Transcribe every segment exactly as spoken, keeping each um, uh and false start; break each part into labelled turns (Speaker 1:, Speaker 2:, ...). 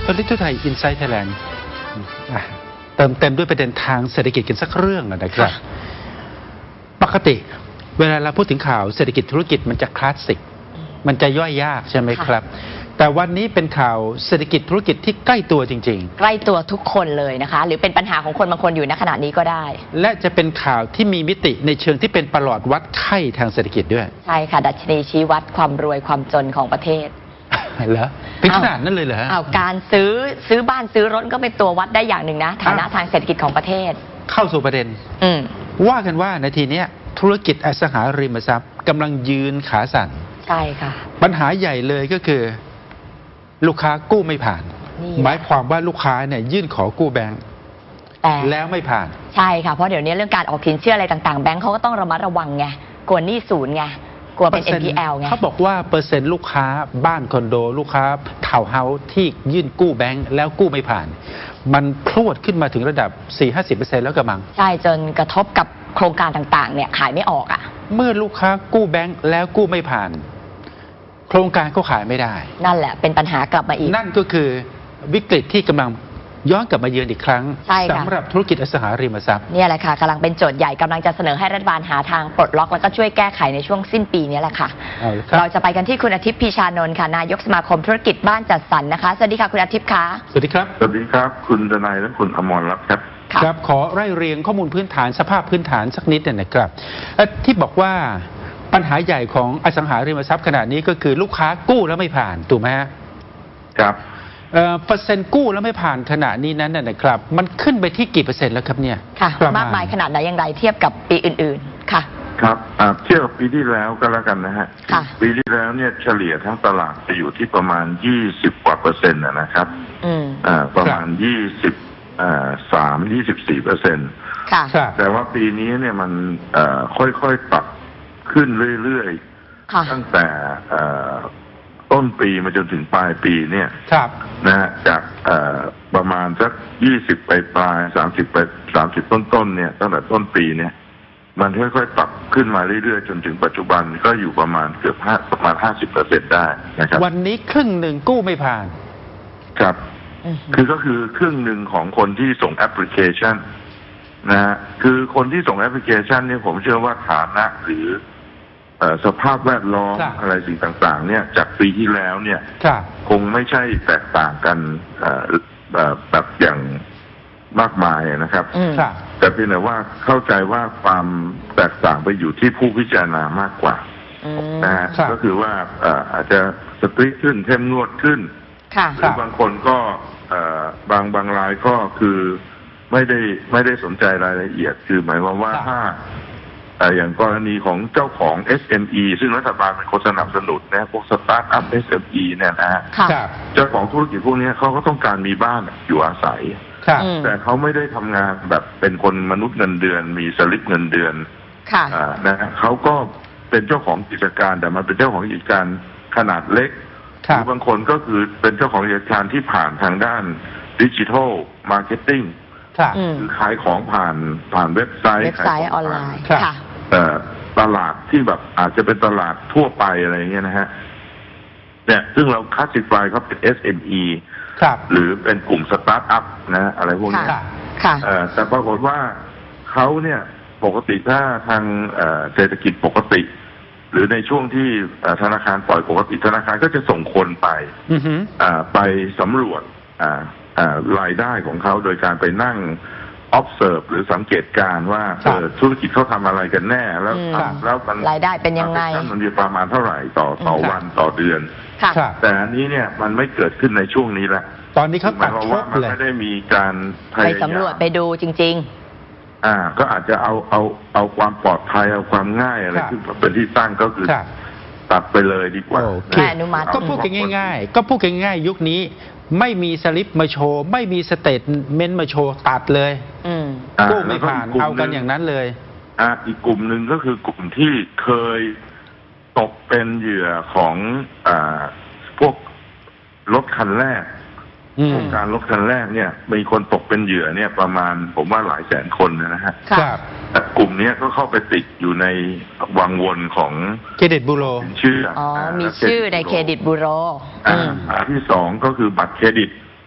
Speaker 1: ลิทุไทยอินไซต์ไทยแลนด์เติมเต็มด้วยประเด็นทางเศรษฐกิจกันสักเรื่องนะครับปกติเวลาเราพูดถึงข่าวเศรษฐกิจธุรกิจมันจะคลาสสิกมันจะย่อยยากใช่ไหมครับแต่วันนี้เป็นข่าวเศรษฐกิจธุรกิจที่ใกล้ตัวจริงๆ
Speaker 2: ใกล้ตัวทุกคนเลยนะคะหรือเป็นปัญหาของคนบางคนอยู่ณขณะนี้ก็ได้
Speaker 1: และจะเป็นข่าวที่มีมิติในเชิงที่เป็นประหลอดวัดไข้ทางเศรษฐกิจด้วย
Speaker 2: ใช่ค่ะดัชนีชี้วัดความรวยความจนของประเทศ
Speaker 1: เหรอเป็นขนาดนั้นเลยเหรอฮะ
Speaker 2: เอาการซื้อซื้อบ้านซื้อรถก็เป็นตัววัดได้อย่างหนึ่งนะฐานะทางเศรษฐกิจของประเทศ
Speaker 1: เข้าสู่ประเด็นว่ากันว่านาทีนี้ธุรกิจอสังหาริมทรัพย์กำลังยืนขาสั่น
Speaker 2: ใช่ค่ะ
Speaker 1: ปัญหาใหญ่เลยก็คือลูกค้ากู้ไม่ผ่านหมายความว่าลูกค้าเนี่ยยื่นขอกู้แบงก์แล้วไม่ผ่าน
Speaker 2: ใช่ค่ะเพราะเดี๋ยวนี้เรื่องการออกสินเชื่ออะไรต่างๆแบงก์เขาก็ต้องระมัดระวังไงกลัวหนี้ศูนย์ไงกลัวเป็น เอ็น พี แอล ไง
Speaker 1: เขาบอกว่าเปอร์เซ็นต์ลูกค้าบ้านคอนโดลูกค้าทาวน์เฮาส์ที่ยื่นกู้แบงก์แล้วกู้ไม่ผ่านมันพรวดขึ้นมาถึงระดับ สี่ถึงห้าสิบเปอร์เซ็นต์ แล้วกระมัง
Speaker 2: ใช่จนกระทบกับโครงการต่างๆเนี่ยขายไม่ออกอ่ะ
Speaker 1: เมื่อลูกค้ากู้แบงก์แล้วกู้ไม่ผ่านโครงการก็ขายไม่ได้
Speaker 2: นั่นแหละเป็นปัญหากลับมาอีก
Speaker 1: นั่นก็คือวิกฤตที่กำลังย้อนกลับมาเยือนอีกครั้งสำหรับธุรกิจอสังหาริมทรัพย์
Speaker 2: นี่แหละค่ะกำลังเป็นโจทย์ใหญ่กำลังจะเสนอให้รัฐบาลหาทางปลดล็อกแล้วก็ช่วยแก้ไขในช่วงสิ้นปีนี้แหละค่ะเราจะไปกันที่คุณอาทิตย์พีชานนท์ค่ะนายกสมาคมธุรกิจบ้านจัดสรรนะคะสวัสดีค่ะคุณอาทิตย์คะ
Speaker 1: สวัสดีครับ
Speaker 3: สวัสดีครับคุณดนัยและคุณอมรรัตน์ครับ
Speaker 1: ครับขอไล่เรียงข้อมูลพื้นฐานสภาพพื้นฐานสักนิดหนึ่งนะครับที่บอกว่าปัญหาใหญ่ของอสังหาริมทรัพย์ขณะนี้ก็คือลูกค้ากู้แล้วไม่ผ่านถูกไหมฮะ
Speaker 3: ครับ
Speaker 1: เปอร์เซ็นต์กู้แล้วไม่ผ่านขณะนี้นั้นนะครับมันขึ้นไปที่กี่เปอร์เซ็นต์แล้วครับเนี่ย
Speaker 2: ค่ะมากมายขนาดไหนอย่างไรเทียบกับปีอื่นๆค่ะ
Speaker 3: ครับเทียบกับปีที่แล้วก็แล้วกันนะฮะปีที่แล้วเนี่ยเฉลี่ยทั้งตลาดจะอยู่ที่ประมาณยี่สิบกว่าเปอร์เซ็นต์นะครับประมาณยี่สิบสามยี่สิบสี่เปอร์เซ็นต์แต่ว่าปีนี้เนี่ยมันค่อยๆปรับขึ้นเรื่อยๆตั้งแต่ต้นปีมาจนถึงปลายปีเนี่ยนะฮะจากประมาณสักยี่สิบไปปลายสามสิบไปสามสิบต้นๆเนี่ยตั้งแต่ต้นปีเนี่ยมันค่อยๆปรับขึ้นมาเรื่อยๆจนถึงปัจจุบันก็อยู่ประมาณเกือบห้าประมาณห้าสิบเปอร์เซ็นต์ได้นะครับ
Speaker 1: วันนี้ครึ่งหนึ่งกู้ไม่ผ่าน
Speaker 3: ครับคือก็คือครึ่งหนึ่งของคนที่ส่งแอปพลิเคชันนะฮะคือคนที่ส่งแอปพลิเคชันเนี่ยผมเชื่อว่าฐานะหรือสภาพแวดล้อมอะไรสิ่งต่างๆเนี่ยจากปีที่แล้วเนี่ยคงไม่ใช่แตกต่างกันแบบอย่างมากมายนะครับแต่เพียงแต่ว่าเข้าใจว่าความแตกต่างไปอยู่ที่ผู้พิจารณามากกว่านะฮะก็คือว่าอาจจะสตรีทขึ้นเข้มงวดขึ้นหรือบางคนก็บางบางรายก็คือไม่ได้ไม่ได้สนใจรายละเอียดคือหมายความว่าถ้าอย่างกรณีของเจ้าของ เอส เอ็ม อี ซึ่งรัฐบาลเป็นคนสนับสนุนนะพวกสตาร์ทอัพ เอส เอ็ม อี เนี่ยนะฮะเจ้าของธุรกิจพวกนี้เขาก็ต้องการมีบ้านอยู่อาศัยแต่เขาไม่ได้ทำงานแบบเป็นคนมนุษย์เงินเดือนมีสลิปเงินเดือนนะฮะเขาก็เป็นเจ้าของกิจการแต่มันเป็นเจ้าของกิจการขนาดเล็กหรือบางคนก็คือเป็นเจ้าของกิจการที่ผ่านทางด้านดิจิทัลมาร์เก็ตติ้งคือขายของผ่านผ่านเว็บไซต์
Speaker 2: เว็บไซต์ออนไลน์
Speaker 3: ตลาดที่แบบอาจจะเป็นตลาดทั่วไปอะไรเงี้ยนะฮะเนี่ยซึ่งเราคลาสสิฟายเขาเป็น เอส เอ็ม อี หรือเป็นกลุ่มสตาร์ทอัพนะอะไรพวกนี้แต่ปรากฏว่าเขาเนี่ยปกติถ้าทางเศรษฐกิจปกติหรือในช่วงที่ธนาคารปล่อยปกติธนาคารก็จะส่งคนไปไปสำรวจรายได้ของเขาโดยการไปนั่ง observe หรือสังเกตการว่าธุรกิจเขาทำอะไรกันแน่แล้วแล้วมัน
Speaker 2: รายได้เป็นยังไง
Speaker 3: มันมีประมาณเท่าไหร่ต่อต่อวันต่อเดือนแต่อันนี้เนี่ยมันไม่เกิดขึ้นในช่วงนี้แล้ว
Speaker 1: ตอนนี้เขาตัด
Speaker 3: ว่ามันไม่ได้มีการ
Speaker 2: ไปสำรวจไปดูจริง
Speaker 3: ๆอ่าก็อาจจะเอาเอาเอาความปลอดภัยเอาความง่ายอะไรขึ้นเป็นที่ตั้งก็คือตัดไปเลยดีกว่า
Speaker 1: ก็พูดกันง่ายๆก็พูดกันง่ายยุคนี้ไม่มีสลิปมาโชว์ไม่มีสเตทเมนต์มาโชว์ตัดเลยกู้ไม่ผ่านเอากันอย่างนั้นเลย
Speaker 3: อ่าอีกกลุ่มหนึ่งก็คือกลุ่มที่เคยตกเป็นเหยื่อของอ่าพวกรถคันแรกโครงการรถคันแรกเนี่ยมีคนตกเป็นเหยื่อเนี่ยประมาณผมว่าหลายแสนคนนะฮะแต่กลุ่มนี้ก็เข้าไปติดอยู่ในวังวนของ
Speaker 1: เครดิตบูโร
Speaker 3: ชื่อ
Speaker 2: อ๋อมีชื่อในเครดิตบูโร
Speaker 3: อ่าที่สองก็คือบัตรเครดิต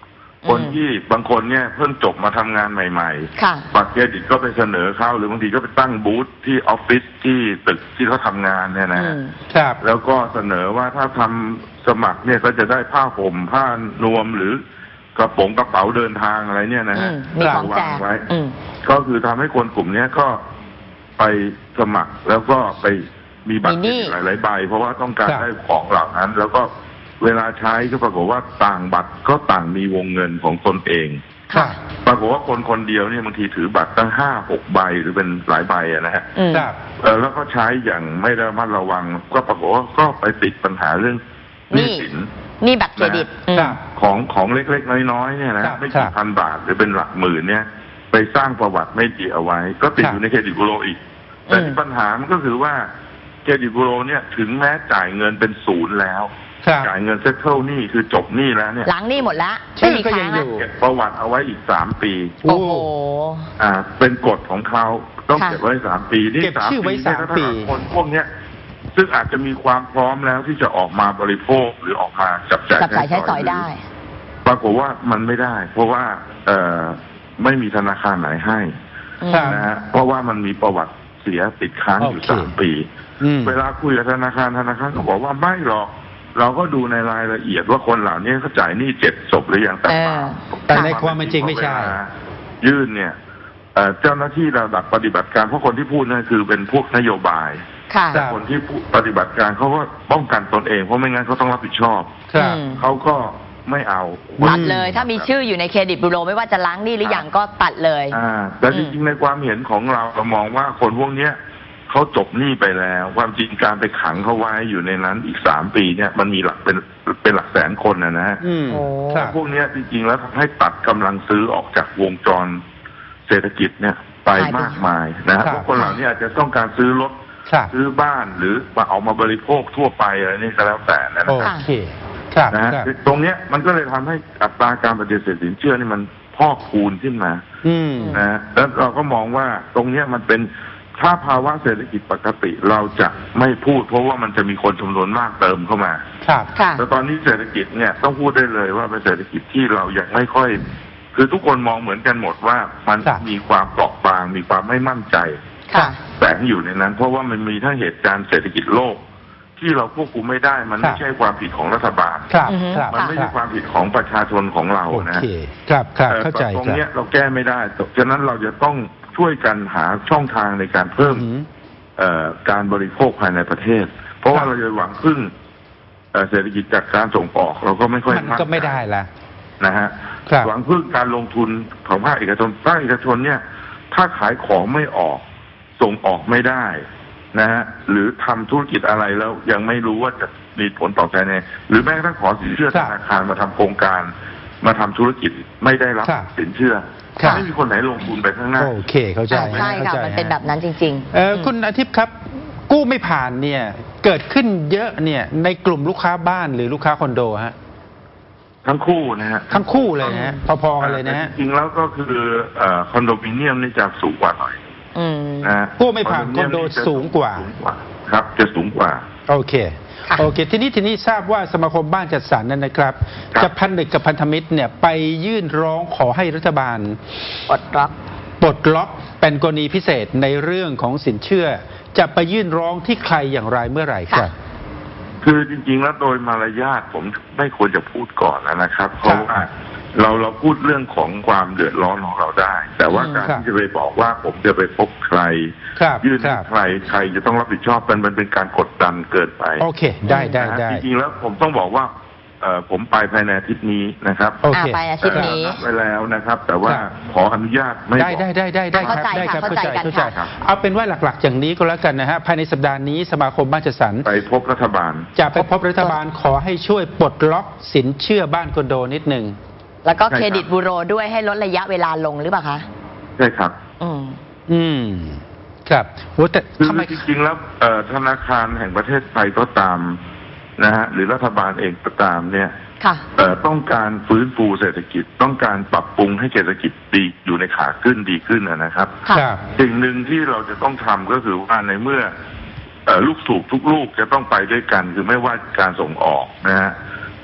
Speaker 3: คนที่บางคนเนี่ยเพิ่งจบมาทำงานใหม่
Speaker 2: ค่ะ
Speaker 3: ๆบัตรเครดิตก็ไปเสนอเขาหรือบางทีก็ไปตั้งบูธที่ออฟฟิศที่ตึกที่เขาทำงานเนี่ยนะ
Speaker 2: อื
Speaker 3: ฮะ
Speaker 2: ม
Speaker 1: ครับ
Speaker 3: แล้วก็เสนอว่าถ้าทำสมัครเนี่ยก็จะได้ผ้าห่มผ้านวมหรือกระป๋องกระเป๋าเดินทางอะไรเนี่ยนะ
Speaker 2: อื
Speaker 3: ฮะ
Speaker 2: มมีของแจ
Speaker 3: วาง
Speaker 2: ก
Speaker 3: ไว้
Speaker 2: อืม
Speaker 3: ก็คือทำให้คนกลุ่มเนี้ยก็ไปสมัครแล้วก็ไปมีบัตรเครดิตหลายๆใบเพราะว่าต้องการ
Speaker 1: ครับ
Speaker 3: ได้ของเหล่านั้น แล้วก็เวลาใช้ก็ปรากฏว่าต่างบัตรก็ต่างมีวงเงินของตนเอง
Speaker 2: ค่ะ
Speaker 3: ปรากฏว่าคนคนเดียวเนี่ยบางทีถือบัตรตั้งห้าหกใบหรือเป็นหลายใบอะนะฮะ
Speaker 2: อืม
Speaker 1: ครับ
Speaker 3: เออแล้วก็ใช้อย่างไม่ระมัดระวัง ก็ปรากฏว่าก็ไปติดปัญหาเรื่องหนี้สิน
Speaker 2: นี่บัตรเครดิตอืม
Speaker 1: ครับ
Speaker 3: ของของเล็กๆน้อยๆเนี่ยนะครับ ไม่กี่
Speaker 1: ครับ
Speaker 3: พันบาทหรือเป็นหลักหมื่นเนี่ย ไปสร้างประวัติไม่ดีเอาไว้ ก็ติด
Speaker 1: ครับ
Speaker 3: อยู่ในเครดิตบูโรอีก แต่
Speaker 2: อืม
Speaker 3: ที่ปัญหามันก็คือว่าเครดิตบูโรเนี่ยถึงแม้จ่ายเงินเป็นศูนย์แล้ว
Speaker 1: ครับ
Speaker 3: จ่ายเงินเซ็ตเทิลหนี้คือจบหนี้แล้วเนี่ย
Speaker 2: หลังนี่หมดแล้ว
Speaker 1: ชื่
Speaker 2: ไม่
Speaker 1: อ
Speaker 2: มี
Speaker 1: ก็
Speaker 2: ค้า
Speaker 1: ยัง ง
Speaker 2: แล้
Speaker 1: อ
Speaker 2: ว
Speaker 1: ยู่
Speaker 3: เก็บประวัติเอาไว้อีกสามปี
Speaker 2: โอ้โห
Speaker 3: อ่า เป็นกฎของเขาต้อง
Speaker 2: ค่ะ
Speaker 3: เก็บไว้สามปีนี่
Speaker 1: เก็บชื่อไว้
Speaker 3: เนี่ย
Speaker 1: สาม
Speaker 3: ถ้
Speaker 1: ปี
Speaker 3: หกคนพวกเนี้ย ซึ่งอาจจะมีความพร้อมแล้วที่จะออกมาบริโภคหรือออกมาจับจ่าย
Speaker 2: จับจ่ายใช้สอยได้
Speaker 3: ปรากฏว่ามันไม่ได้ เพราะว่าเอ่อไม่มีธนาคารไหนให้
Speaker 2: อืม
Speaker 1: ครับ
Speaker 3: นะฮะเพราะว่ามันมีประวัติเสียติดค้างอยู่
Speaker 1: โอเค
Speaker 3: สามปี
Speaker 1: อืม
Speaker 3: เวลาคุยกับธนาคารธนาคารก็บอกว่าไม่หรอก เราก็ดูในรายละเอียดว่าคนเหล่านี้เขาจ่ายหนี้เจ็ดศพหรือยังแต่เปล่า
Speaker 2: เออ
Speaker 1: แต่ในความเป็นจริงไม่ใช่
Speaker 3: เวลายื่นเนี่ยเอ่อเจ้าหน้าที่ระดับปฏิบัติการเพราะคนที่พูดนั่นคือเป็นพวกนโยบาย
Speaker 2: ค่ะ
Speaker 1: ครับ
Speaker 3: คนที่ผู้ปฏิบัติการเขาก็ป้องกันตนเองเพราะไม่งั้นเขาต้องรับผิดชอบ
Speaker 1: ครับ
Speaker 2: อืม
Speaker 3: เขาก็ไม่เอา
Speaker 2: ตัดเลย ถ้ามีชื่ออยู่ในเครดิตบูโรไม่ว่าจะล้างหนี้หรือยังก็ตัดเลย
Speaker 3: อ่าแต่จริงๆในความเห็นของเราเรามองว่าคนพวกเนี้ยเขาจบหนี้ไปแล้ว ความจริงการไปขังเขาไว้อยู่ในนั้นอีกสามปีเนี่ยมันมีหลักเป็นเป็นหลักแสนคนนะนะฮะ
Speaker 1: อืม
Speaker 2: โอ้
Speaker 1: ครับ
Speaker 3: พวกเนี้ยจริงๆแล้วทำให้ตัดกำลังซื้อออกจากวงจรเศรษฐกิจเนี่ยไป
Speaker 2: หายไป
Speaker 3: มากมายนะฮะ
Speaker 1: ครับ
Speaker 3: เพราะคนเหล่านี้อาจจะต้องการซื้อรถ
Speaker 1: ครับ
Speaker 3: ซื้อบ้านหรือมาเอามาบริโภคทั่วไปอะไรนี่ก็แล้วแต่นะ
Speaker 1: โอ
Speaker 3: นะครับ
Speaker 1: เค ครับ
Speaker 3: นะฮะ
Speaker 1: ครับ
Speaker 3: ตรงเนี้ยมันก็เลยทำให้อัตราการปฏิเสธสินเชื่อนี่มันพอกพูนขึ้นมา
Speaker 1: อืม
Speaker 3: นะฮะแล้วเราก็มองว่าตรงเนี้ยมันเป็นถ้าภาวะเศรษฐกิจปกติเราจะไม่พูด เพราะว่ามันจะมีคนจำนวนมากเติมเข้ามา
Speaker 1: ครับ
Speaker 2: ค่ะ
Speaker 3: แต่ตอนนี้เศรษฐกิจเนี่ยต้องพูดได้เลยว่าเป็นเศรษฐกิจที่เรายังไม่ค่อย คือทุกคนมองเหมือนกันหมดว่ามัน
Speaker 1: ครับ
Speaker 3: มีความเปราะบางมีความไม่มั่นใจ
Speaker 2: ค่ะ
Speaker 3: แฝงอยู่ในนั้น เพราะว่ามันมีทั้งเหตุการณ์เศรษฐกิจโลก ที่เราควบคุมไม่ได้ มัน
Speaker 1: ครั
Speaker 3: ไม่
Speaker 1: บ
Speaker 3: ใช่ความผิดของรัฐบาล
Speaker 1: ครับ
Speaker 2: อือฮึ
Speaker 1: ครับ
Speaker 3: มันไม่ใช่ความผิดของประชาชนของเรา
Speaker 1: โอ
Speaker 3: นะ
Speaker 1: เค ครับ ครับ
Speaker 3: เอ่อ
Speaker 1: เข้าใจ
Speaker 3: ตรง
Speaker 1: ครับ
Speaker 3: เนี้ยเราแก้ไม่ได้ฉะนั้นเราจะต้องช่วยกันหาช่องทางในการเพิ่ม
Speaker 1: อืม
Speaker 3: เอ่อการบริโภคภายในประเทศ เพราะว่า
Speaker 1: ครับ
Speaker 3: เราจะหวังพึ่งเอ่อเศรษฐกิจจากการส่งออก เราก็ไม่ค่อย
Speaker 1: มันก็ไม่ได้ละ
Speaker 3: นะฮะ
Speaker 1: ครับ
Speaker 3: หวังพึ่งการลงทุนของภาคเอกชนภาคเอกชนเนี่ย ถ้าขายของไม่ออกส่งออกไม่ได้นะฮะหรือทำธุรกิจอะไรแล้วยังไม่รู้ว่าจะมีผลตอบแทนไงหรือแม้กระทั่งขอสินเชื่อ
Speaker 1: ครั
Speaker 3: ธ
Speaker 1: บ
Speaker 3: นาคารมาทำโครงการ มาทำธุรกิจไม่ได้รับ
Speaker 1: ครับ
Speaker 3: สินเชื่อ
Speaker 1: ครับ
Speaker 3: ไม่มีคนไหนลงทุนไปข้างหน้า
Speaker 1: โอเค เข้าใจ
Speaker 2: อ่าใช่ค่ะ
Speaker 1: ข้าจ
Speaker 2: มันเป็นแบบนั้นจริงๆ
Speaker 1: เออ
Speaker 2: ม
Speaker 1: คุณอาทิตย์ครับ กู้ไม่ผ่านเนี่ย เกิดขึ้นเยอะเนี่ย ในกลุ่มลูกค้าบ้านหรือลูกค้าคอนโดฮะ
Speaker 3: ทั้งคู่นะฮะ
Speaker 1: ทั้งคู่เลยนะฮะ พอๆกันเลยนะฮะ
Speaker 3: จริงๆแล้วก็คือเอ่อคอนโดมิเนียมนี่จะสูงกว่าหน่อย
Speaker 2: อืม
Speaker 3: นะฮะ
Speaker 1: กู้ไม่ผ่านคอนโดสูงกว่า
Speaker 3: สูงกว่าครับ จะสูงกว่า
Speaker 1: โอเค
Speaker 2: ค่ะ
Speaker 1: โอเค ทีนี้ทีนี้ทราบว่าสมาคมบ้านจัดสรรนั่นนะครับ
Speaker 3: ครับ
Speaker 1: จะพันนึกกับพันธมิตรเนี่ยไปยื่นร้องขอให้รัฐบาล
Speaker 2: ปลดล็อก
Speaker 1: ปลดล็อกเป็นกรณีพิเศษในเรื่องของสินเชื่อ จะไปยื่นร้องที่ใครอย่างไรเมื่อไหร่ครับ
Speaker 3: คือจริงๆแล้วโดยมารยาทผมไม่ควรจะพูดก่อนนะครับ เพราะว่าเราเราพูดเรื่องของความเดือดร้อนของเราได้ แต่ว่า
Speaker 2: อืม
Speaker 3: การ
Speaker 1: ครับ
Speaker 3: ที่จะไปบอกว่าผมจะไปพบใคร
Speaker 1: ครับ
Speaker 3: ยื่น
Speaker 1: ค
Speaker 3: ให้
Speaker 1: รับ
Speaker 3: ใครใครจะต้องรับผิดชอบมันมันเป็นการกดดันเกินไป
Speaker 1: โอเค ได้ได้
Speaker 3: นะฮะ
Speaker 1: ได้
Speaker 3: จริงๆแล้วผมต้องบอกว่าเอ่อผมไปภายในอาทิตย์นี้นะครับ
Speaker 1: โอเค
Speaker 2: อ่าไปอาทิตย์นี้
Speaker 3: เอ่อนัดไว้แล้วนะครับ แต่ว่า
Speaker 1: ครับ
Speaker 3: ขออนุญาตไม่
Speaker 1: ได้
Speaker 3: บอก
Speaker 1: ได้ได้ได้ได้ครับ
Speaker 2: เข้าใจ
Speaker 1: ได้ครับ
Speaker 2: ค่ะเข้าใจกัน
Speaker 1: เข้าใจ
Speaker 2: ค่ะ
Speaker 1: เอาเป็นว่าหลักๆ อย่างนี้ก็แล้วกันนะฮะภายในสัปดาห์นี้สมาคมบ้านจัดสรร
Speaker 3: ไปพบรัฐบาล
Speaker 1: จะไปพบรัฐบาลขอให้ช่วยปลดล็อกสินเชื่อบ้านคอนโดนิดหนึ่ง
Speaker 2: แล้วก็
Speaker 3: ใช่ครับ
Speaker 2: เครดิตบูโรด้วยให้ลดระยะเวลาลงหรือเปล่าคะ
Speaker 3: ใช่ครับ
Speaker 2: อืม
Speaker 1: อืม ครับโหแต่
Speaker 3: คือ
Speaker 1: ทำไม
Speaker 3: จริงๆแล้วเอ่อธนาคารแห่งประเทศไทยก็ตามนะฮะหรือรัฐบาลเองก็ตามเนี่ย
Speaker 2: ค่ะ
Speaker 3: เอ่อต้องการฟื้นฟูเศรษฐกิจต้องการปรับปรุงให้เศรษฐกิจดีอยู่ในขาขึ้นดีขึ้นนะนะครับ
Speaker 2: ค่ะ
Speaker 1: ครับ
Speaker 3: สิ่งหนึ่งที่เราจะต้องทำก็คือว่าในเมื่อเอ่อลูกสูบทุกลูกจะต้องไปด้วยกัน คือไม่ว่าการส่งออกนะฮะ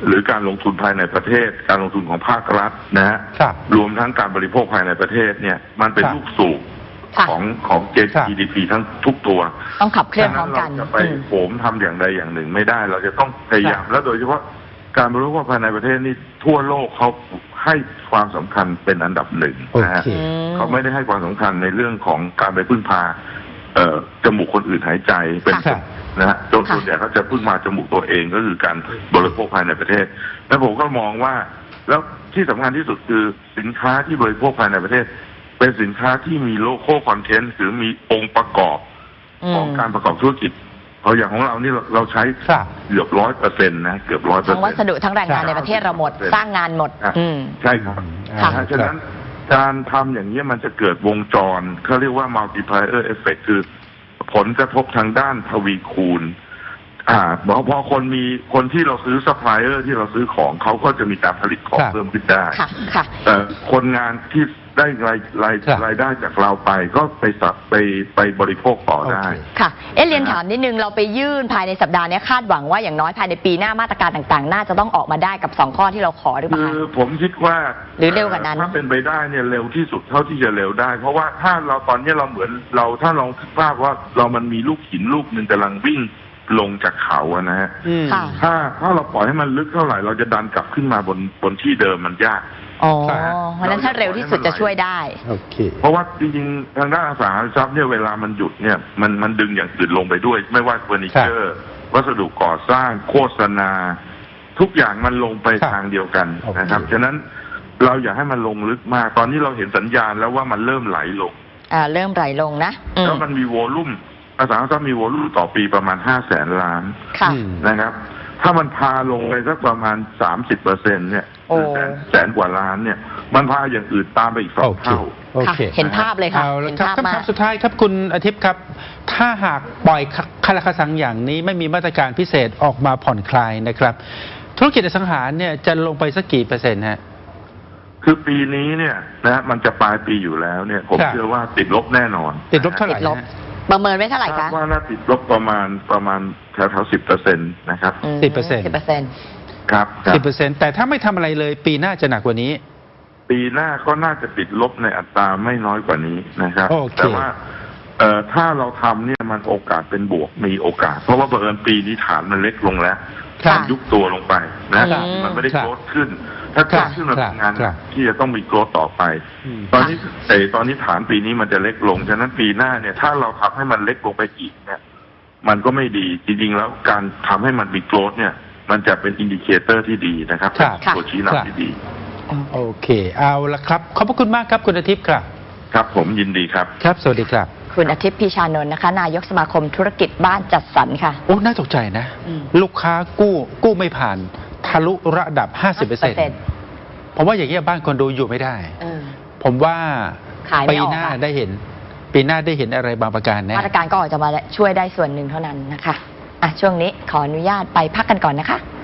Speaker 3: หรือการลงทุนภายในประเทศ การลงทุนของภาครัฐนะฮะ
Speaker 1: ครับ
Speaker 3: รวมทั้งการบริโภคภายในประเทศเนี่ยมันเป็น
Speaker 1: ครับ
Speaker 3: ลูกสูบ
Speaker 2: ค่ะ
Speaker 3: ของของ
Speaker 1: ครับ
Speaker 3: จี ดี พี ทั้งทุกตัว
Speaker 2: ต้องขับเคลื่อนพร้อมกัน
Speaker 3: ฉะเราจะไป
Speaker 2: อืม
Speaker 3: โหมทำอย่างใดอย่างหนึ่งไม่ได้ เราจะต้องพยายาม
Speaker 1: ครับ
Speaker 3: และโดยเฉพาะการบริโภคภายในประเทศนี่ทั่วโลกเขาให้ความสำคัญเป็นอันดับหนึ่ง
Speaker 1: โอ
Speaker 3: นะฮะ
Speaker 1: เค
Speaker 2: อืม
Speaker 3: เขาไม่ได้ให้ความสำคัญในเรื่องของการไปพึ่งพาเอ่อจมูกคนอื่นหายใจเป็น
Speaker 1: ครับ
Speaker 3: นะฮะโดยส่วนใหญ่เขาจะพึ่งมาจมูกตัวเองก็คือการบริโภคภายในประเทศ แล้วผมก็มองว่า แล้วที่สำคัญที่สุดคือสินค้าที่บริโภคภายในประเทศ เป็นสินค้าที่มีโลโก้คอนเทนต์หรือมีองค์ประกอบของการประกอบธุรกิจเพราะอย่างของเรานี่เราเราใช้
Speaker 1: ครับ
Speaker 3: เกือบร้อยเปอร์เซ็นต์นะเกือบร้อยเปอร์
Speaker 2: ทั้ง
Speaker 3: เซ็
Speaker 2: วัน ส
Speaker 3: ต์
Speaker 2: ดุทั้งแรงงานในประเทศเราหมด สร้างงานหมด อืม
Speaker 3: ใช่ครับ
Speaker 1: ค่ะ
Speaker 3: นะฮะฉะนั้นการทำอย่างนี้ยมันจะเกิดวงจรเขาเรียกว่า multiplier effect คือผลกระทบทางด้านทวีคูณ อ่าพอพอคนมีคนที่เราซื้อซัพพลายเออร์ที่เราซื้อของเขาก็จะมีการผลิตของ
Speaker 1: ครับ
Speaker 3: เพิ่มขึ้นได้
Speaker 2: ค่ะ ค่ะ
Speaker 3: แต่คนงานที่ได้รายราย
Speaker 1: ครับ
Speaker 3: รายได้จากเราไปก็ไปสับไปไปบริโภคต่อได้
Speaker 1: โอเค
Speaker 2: ค่ะ เอ๊ะเรียนถามนิดนึง เราไปยื่นภายในสัปดาห์นี้คาดหวังว่าอย่างน้อยภายในปีหน้ามาตรการต่างๆ น่าจะต้องออกมาได้กับสองข้อที่เราขอหรือเป
Speaker 3: คื
Speaker 2: ล่า
Speaker 3: อ
Speaker 2: คะ
Speaker 3: ผมคิดว่า
Speaker 2: หรือเร็วกว่านั้น
Speaker 3: ถ้าเป็นไปได้เนี่ยเร็วที่สุดเท่าที่จะเร็วได้ เพราะว่าถ้าเราตอนนี้เราเหมือนเราถ้าลองคิดภาพว่าเรามันมีลูกหินลูกหนึ่งกำลังวิ่งลงจากเขาอะนะฮะ
Speaker 1: อืม
Speaker 2: ค่ะ
Speaker 3: ถ้าถ้าเราปล่อยให้มันลึกเท่าไหร่เราจะดันกลับขึ้นมาบนบนที่เดิมมันยาก
Speaker 2: อ๋อ
Speaker 1: ครับ
Speaker 2: เพราะฉะนั้นถ้าเร็วที่สุดจะช่วยได้
Speaker 1: โอเค
Speaker 3: เพราะว่าจริงๆทางด้านอสังหาริมทรัพย์เนี่ยเวลามันหยุดเนี่ยมันมันดึงอย่างอื่นลงไปด้วย ไม่ว่าเฟอร์นิเจอร์ วัสดุก่อสร้างโฆษณา ทุกอย่างมันลงไป
Speaker 1: ครับ
Speaker 3: ทางเดียวกัน
Speaker 1: โอเค
Speaker 3: นะครับฉะนั้นเราอยากให้มันลงลึกมาก ตอนนี้เราเห็นสัญญาณแล้วว่ามันเริ่มไหลลง
Speaker 2: อ่า เริ่มไหลลงนะอืม
Speaker 3: แล้วมันมีโวลุ่มอสังหาริมทรัพย์มีโวลุ่มต่อปีประมาณห้าแสนล้าน
Speaker 2: ค่ะ
Speaker 1: อืม
Speaker 3: นะครับ ถ้ามันพาลงไปสักประมาณสามสิบเปอร์เซ็นเนี่ย
Speaker 2: โอ้
Speaker 3: แสนแสนกว่าล้านเนี่ย มันพาอย่างอื่นตามไปอีกสอ
Speaker 1: โอง เค
Speaker 3: เท่า
Speaker 1: โอ
Speaker 2: ค่ะ
Speaker 1: เค
Speaker 2: เห็นภาพเลยค่ะ
Speaker 1: เอาละ
Speaker 2: เห็น
Speaker 1: ครับ
Speaker 2: ภาพ
Speaker 1: คำ
Speaker 2: มา
Speaker 1: ถาก มสุดท้ายครับคุณอาทิตย์ครับ ถ้าหากปล่อยคาราคาซังอย่างนี้ไม่มีมาตรการพิเศษออกมาผ่อนคลายนะครับ ธุรกิจอสังหาเนี่ยจะลงไปสักกี่เปอร์เซ็นต์ฮะ
Speaker 3: คือปีนี้เนี่ยนะมันจะปลายปีอยู่แล้วเนี่ย ผม
Speaker 1: ครับ
Speaker 3: เชื่อว่าติดลบแน่นอน
Speaker 1: ติดลบเท่าไหร่
Speaker 2: ติดลบ
Speaker 1: ฮะ
Speaker 2: ประเมินไว้เท่าไหร่
Speaker 3: คา
Speaker 2: คะ
Speaker 3: ดว่าน่าติดลบประมาณประมาณแถวแถวสิบเปอร์เซ็นต์นะครับ
Speaker 1: สิบเปอร์เซ็นต์
Speaker 2: สิบเปอร์เซ็นต์
Speaker 3: ครับครับ
Speaker 1: สิบเปอร์เซ็นต์แต่ถ้าไม่ทำอะไรเลยปีหน้าจะหนักกว่านี้
Speaker 3: ปีหน้าก็น่าจะติดลบในอัตราไม่น้อยกว่านี้นะครับ
Speaker 1: โอเค
Speaker 3: แต่ว่าเอ่อถ้าเราทำเนี่ยมันโอกาสเป็นบวกมีโอกาส เพราะว่าบังเอิญปีนี้ฐานมันเล็กลงแล้ว
Speaker 1: ครับ
Speaker 3: มันยุบตัวลงไปนะครับ
Speaker 2: อืม
Speaker 3: มันไม่ได้
Speaker 1: ครับ
Speaker 3: โกรธขึ้น ถ้าโกรธขึ้นมัน
Speaker 1: ครับ
Speaker 3: เป็นงาน
Speaker 1: ครับ
Speaker 3: ที่จะต้องมีโกรธต่อไป
Speaker 1: อืม
Speaker 3: ตอนนี้แต่ตอนนี้ฐานปีนี้มันจะเล็กลง ฉะนั้นปีหน้าเนี่ย ถ้าเราทำให้มันเล็กลงไปอีกเนี่ย มันก็ไม่ดี จริงๆ แล้วการทำให้มันมีโกรธเนี่ย มันจะเป็นอินดิเคเตอร์ที่ดีนะครับ
Speaker 1: ครับ
Speaker 3: เป็นตัวชี้นำที่ดี
Speaker 1: โอเค เอาละครับ ขอบพระคุณมากครับคุณอาทิตย์ครับ
Speaker 3: ครับผมยินดีครับ
Speaker 1: ครับ สวัสดีครับ
Speaker 2: คุณอาทิตย์พีชานนท์นะคะ นายกสมาคมธุรกิจบ้านจัดสรรค่ะ
Speaker 1: โอ้ น่าตกใจนะ
Speaker 2: อืม
Speaker 1: ลูกค้ากู้ กู้ไม่ผ่าน ทะลุระดับ ห้าสิบเปอร์เซ็นต์ ผมว่าอย่างนี้ยบ้านคอนโดอยู่ไม่ได้
Speaker 2: เออ
Speaker 1: ผมว่า
Speaker 2: ขายไม่
Speaker 1: ปี
Speaker 2: ออก
Speaker 1: หน้า
Speaker 2: อะ
Speaker 1: ได้เห็น ปีหน้าได้เห็นอะไรบางประการแน่
Speaker 2: มาตรการก็ออกจะมาช่วยได้ส่วนหนึ่งเท่านั้นนะคะ อ่ะ ช่วงนี้ขออนุญาตไปพักกันก่อนนะคะ